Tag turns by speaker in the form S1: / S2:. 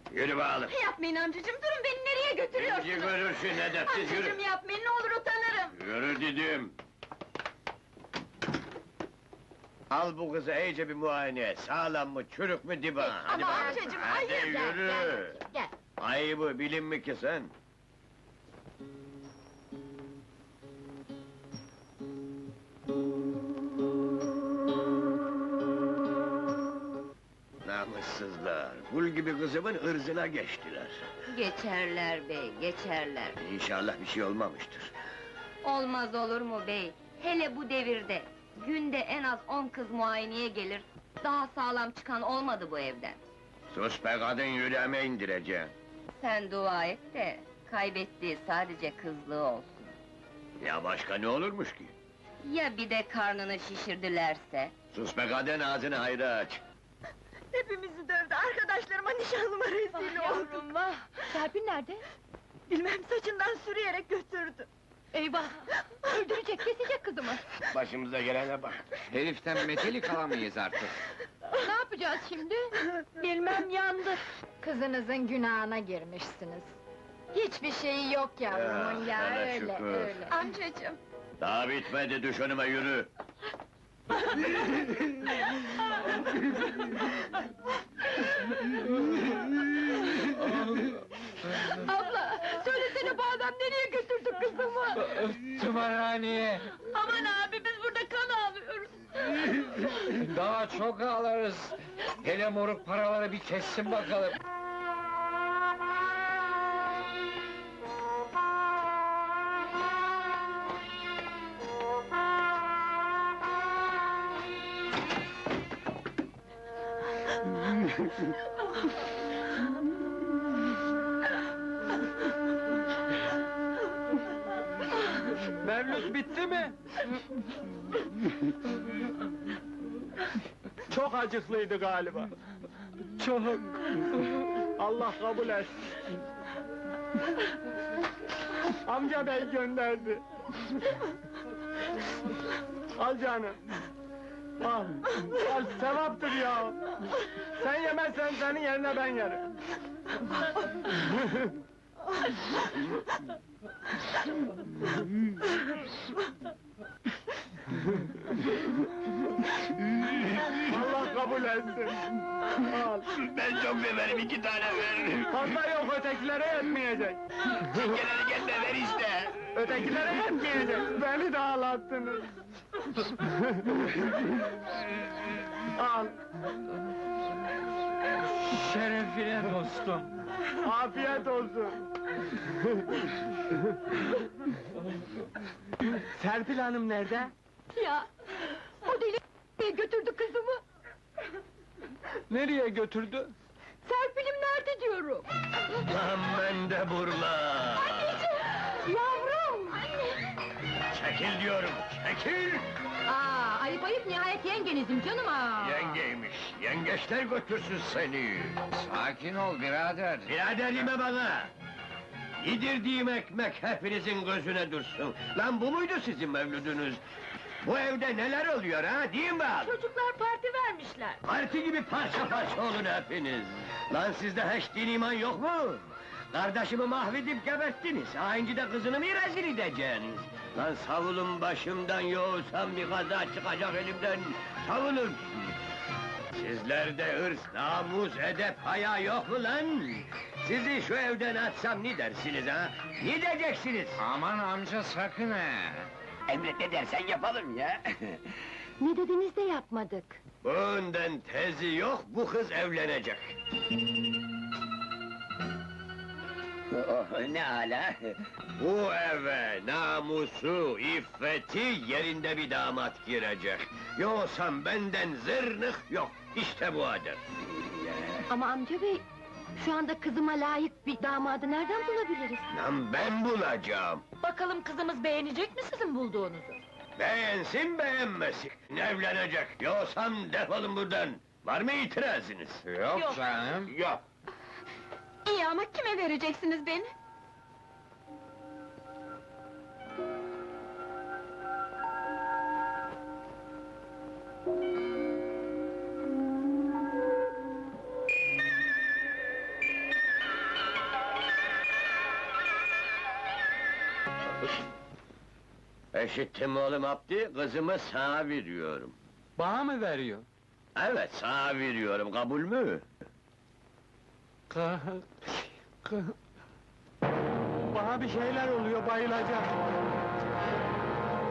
S1: Yürü bakalım!
S2: Yapmayın amcacığım, durun beni nereye
S1: Bizi
S2: götürüyorsunuz?
S1: görürsün edepsiz, yürü!
S2: Amcacığım yapmayın, ne olur utanırım!
S1: Yürü dedim! Al bu kızı iyice bir muayene et, sağlam mı, çürük mü diba? Hadi
S2: Ama
S1: bakalım.
S2: amcacığım,
S1: Hadi
S2: hayır!
S1: yürü!
S2: Gel!
S1: Ayıbı bilin mi ki sen? Namussuzlar! Gul gibi kızımın ırzına geçtiler.
S3: Geçerler bey, geçerler.
S1: İnşallah bir şey olmamıştır.
S3: Olmaz olur mu bey? Hele bu devirde, günde en az 10 kız muayeneye gelir, daha sağlam çıkan olmadı bu evden.
S1: Sus be kadın, yüreğime indireceğim.
S3: Sen dua et de, kaybettiği sadece kızlığı olsun.
S1: Ya başka ne olurmuş ki?
S3: Ya bir de karnını şişirdilerse?
S1: Sus be kadın, ağzını hayra aç!
S2: Hepimizi dövdü, arkadaşlarıma, nişanlıma rezil oldum!
S4: Vah! Serpil nerede?
S2: Bilmem, saçından sürüyerek götürdü!
S4: Eyvah! Öldürecek, kesecek kızımı!
S1: Başımıza gelene bak!
S5: Heriften metelik alamayız artık.
S4: Ne yapacağız şimdi?
S2: Bilmem, yandık!
S4: Kızınızın günahına girmişsiniz. Hiçbir şeyi yok yavrumun ya,
S1: sana
S4: öyle,
S1: şükür.
S4: öyle.
S2: Amcacığım!
S1: Daha bitmedi, düş önüme yürü!
S4: Abla! Söylesene bu adam nereye götürdü kızımı?
S5: Tımarhaneye!
S4: Aman abi, biz burada kan ağlıyoruz!
S5: Daha çok ağlarız! Hele moruk paraları bir kessin bakalım!
S6: Mevlüt bitti mi? Çok acıklıydı galiba. Çok. Allah kabul etsin. Amca bey gönderdi. Al canım. Al. Al, sevaptır ya. Sen yemezsen senin yerine ben yerim. Allah kabul etsin. Al.
S1: Ben çok severim, 2 tane ver!
S6: Fazla yok, ötekilere yetmeyecek.
S1: Çingeleri gelme, ver işte!
S6: Ötekilere yetmeyecek. Beni de ağlattınız. Al.
S5: Şerefine dostum!
S6: Afiyet olsun. Serpil Hanım nerede?
S4: Ya! O deli nereye götürdü kızımı?
S6: Nereye götürdü?
S4: Serpil'im nerede diyorum?
S1: Lan ben de burla!
S4: Yavrum!
S1: Çekil diyorum, çekil!
S4: Aa, ayıp ayıp, nihayet yengenizim canım ha!
S1: Yengeymiş, yengeçler götürsün seni!
S5: Sakin ol birader!
S1: Biraderime bana! Yedirdiğim ekmek hepinizin gözüne dursun! Lan bu muydu sizin mevludunuz? Bu evde neler oluyor ha, değil mi abi?
S4: Çocuklar parti vermişler!
S1: Parti gibi parça parça olun hepiniz! Lan sizde hiç din iman yok mu? Kardeşimi mahvedip geberttiniz, hainci de kızını mı rezil edeceksiniz? Lan savulun başımdan, yoğursam bir kaza çıkacak elimden, savulun! Sizlerde hırs, namus, edep, haya yok mu lan? Sizi şu evden atsam ne dersiniz ha? Ne diyeceksiniz?
S5: Aman amca sakın ha!
S1: Emret ne dersen yapalım ya!
S4: Ne dediniz de yapmadık!
S1: Bundan tezi yok, bu kız evlenecek! Oh, ne hala? Bu eve namusu, iffeti yerinde bir damat girecek. Yoksa benden zırnık yok, işte bu adet.
S4: Ama amca bey, şu anda kızıma layık bir damadı nereden bulabiliriz?
S1: Lan ben bulacağım!
S4: Bakalım kızımız beğenecek mi sizin bulduğunuzu?
S1: Beğensin beğenmesin, evlenecek. Yoksa defolun buradan! Var mı itirazınız?
S5: Yok canım!
S1: Yok!
S2: İyi ama kime vereceksiniz beni?
S1: Eşittim oğlum Abdi, kızımı sana veriyorum.
S6: Bana mı veriyor?
S1: Evet, sana veriyorum, kabul mü?
S6: Bana bir şeyler oluyor, bayılacağım.